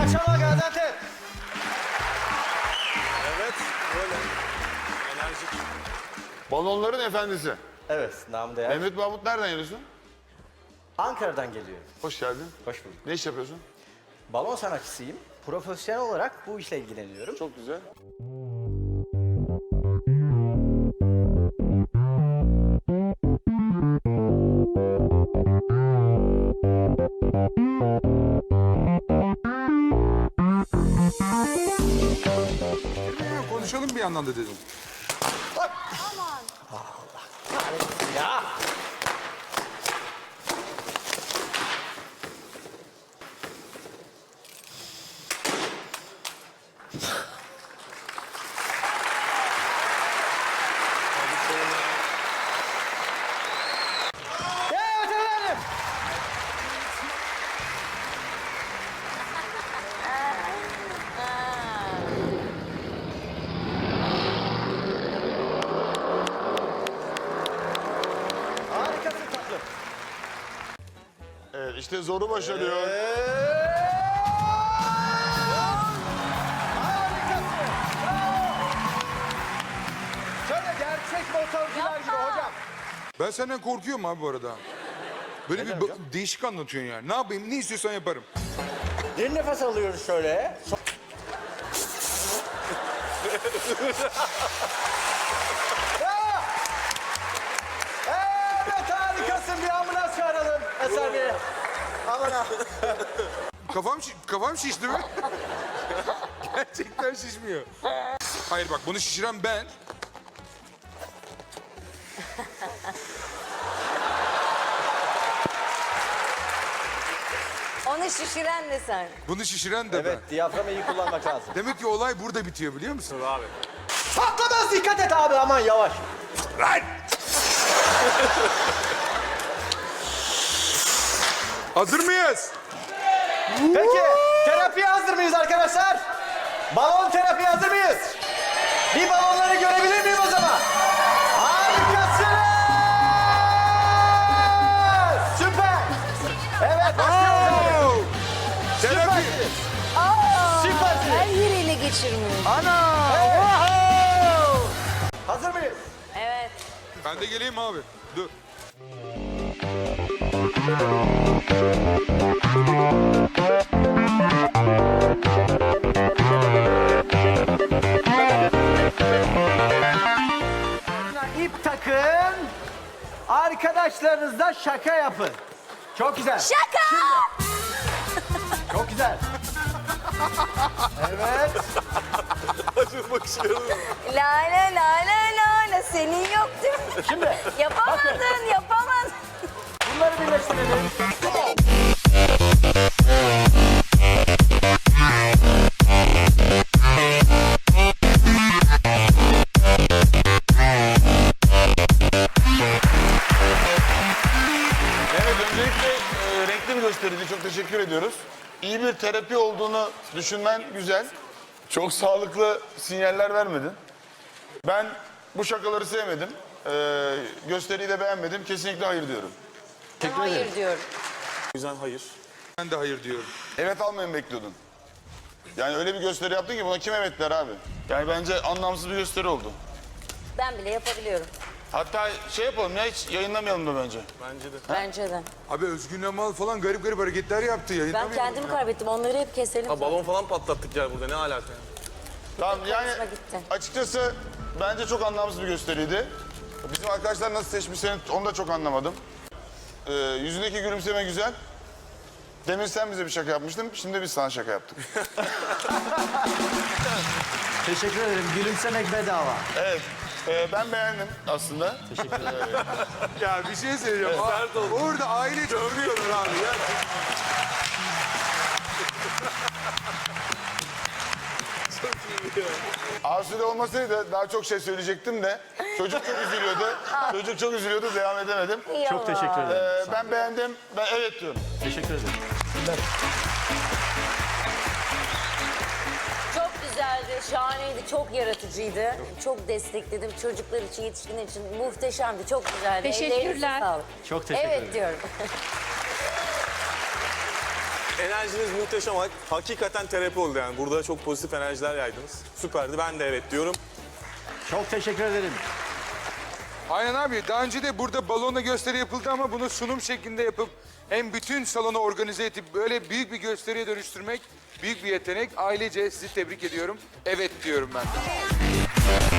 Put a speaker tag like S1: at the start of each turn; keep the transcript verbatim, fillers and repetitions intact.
S1: akşamlar Gaziantep.
S2: Evet, böyle. Enerjik.
S3: Balonların efendisi.
S1: Evet, namı değer.
S3: Mehmet Mahmut nereden geliyorsun?
S1: Ankara'dan geliyor.
S3: Hoş geldin.
S1: Hoş bulduk.
S3: Ne iş yapıyorsun?
S1: Balon sanatçısıyım. Profesyonel olarak bu işle ilgileniyorum.
S3: Çok güzel.
S4: Konuşalım bir yandan da dedim.
S1: Ya! Evet efendim. Harikasın tatlım.
S3: Evet işte zoru başarıyor.
S1: Harikasın. Şöyle gerçek motorcular gibi hocam.
S4: Ben senden korkuyorum abi bu arada. Böyle bir ba- değişik anlatıyorsun yani. Ne yapayım, ne istiyorsan yaparım.
S1: Derin nefes alıyoruz şöyle. So- Bravo. Evet harikasın. Bir ambulans çağıralım Eser Bey. Aman ha.
S4: Kafam, şi- kafam şişti mi? Gerçekten şişmiyor. Hayır bak, bunu şişiren ben.
S5: Onu şişiren de sen.
S4: Bunu şişiren de
S1: Evet, diyaframı iyi kullanmak lazım.
S4: ben. Demek ki olay burada bitiyor biliyor musun?
S2: Abi.
S1: Patlamaz, dikkat et abi, aman yavaş.
S4: Lan! Hazır mıyız?
S1: Peki, terapiye hazır mıyız arkadaşlar? Balon terapiye hazır mıyız? Bir balonları görebilir miyim o zaman? Harikasınız! Süper! Evet, başlıyoruz abi.
S4: Oo! Terapi.
S1: Süpersiniz.
S5: Aa,
S1: Süpersiniz.
S5: her yeriyle geçirmiş.
S4: Ana!
S1: Wow! Hazır mıyız?
S5: Evet.
S4: Ben de geleyim abi. Dur.
S1: İp takın. Arkadaşlarınızla şaka yapın. Çok güzel.
S5: Şaka!
S1: Çok güzel. Evet.
S2: Acı bakışlarım.
S5: La la la la la la senin yok değil mi?
S1: Şimdi
S5: Yapamadın, yapamadın.
S1: bunları birleştirelim.
S3: Evet öncelikle e, renkli bir gösteriydi. Çok teşekkür ediyoruz. İyi bir terapi olduğunu düşünmen güzel. Çok sağlıklı sinyaller vermedin. Ben bu şakaları sevmedim. E, gösteriyi de beğenmedim. Kesinlikle hayır diyorum.
S5: Hayır diyorum.
S2: O yüzden hayır.
S4: Ben de hayır diyorum.
S3: Evet almayı mı bekliyordun? Yani öyle bir gösteri yaptın ki buna kim evet der abi? Yani bence anlamsız bir gösteri oldu.
S5: Ben bile yapabiliyorum.
S3: Hatta şey yapalım ya hiç yayınlamayalım da bence.
S2: Bence de.
S5: Bence de.
S4: Abi Özgün Amal falan garip garip hareketler yaptı.
S5: Ben
S4: Yayınlamayalım
S5: kendimi
S4: ya.
S5: kaybettim. Onları hep keselim.
S2: Ha, balon falan patlattık ya burada. Ne alaka yani?
S3: Tamam yani
S5: hoşuma gitti.
S3: açıkçası bence çok anlamsız bir gösteriydi. Bizim arkadaşlar nasıl seçmişseni onu da çok anlamadım. Ee, yüzündeki gülümseme güzel. Demin sen bize bir şaka yapmıştın, şimdi biz sana şaka yaptık.
S1: Teşekkür ederim. Gülümsemek bedava.
S3: Evet, e, ben beğendim aslında. Teşekkür ederim.
S4: Ya bir şey söyleyeceğim. Aa,
S2: sert oldu.
S4: orada aile dövüyorlar abi ya.
S3: Asude olmasaydı daha çok şey söyleyecektim de çocuk çok üzülüyordu. Çocuk çok üzülüyordu, devam edemedim.
S5: Çok teşekkür
S3: Ee,
S5: ederim.
S3: ben beğendim, ben evet diyorum.
S5: Çok güzeldi, şahaneydi, çok yaratıcıydı. Çok destekledim. Çocuklar için, yetişkinler için muhteşemdi, çok güzeldi.
S6: Teşekkürler.
S5: Ellerinize sağlık.
S1: Çok teşekkür
S5: Evet
S1: ederim.
S5: diyorum.
S2: Enerjiniz muhteşem. Hakikaten terapi oldu yani. Burada çok pozitif enerjiler yaydınız. Süperdi. Ben de evet diyorum.
S1: Çok teşekkür ederim.
S4: Aynen abi. Daha önce de burada balonla gösteri yapıldı ama bunu sunum şeklinde yapıp hem bütün salonu organize edip böyle büyük bir gösteriye dönüştürmek büyük bir yetenek. Ailece sizi tebrik ediyorum. Evet diyorum ben de.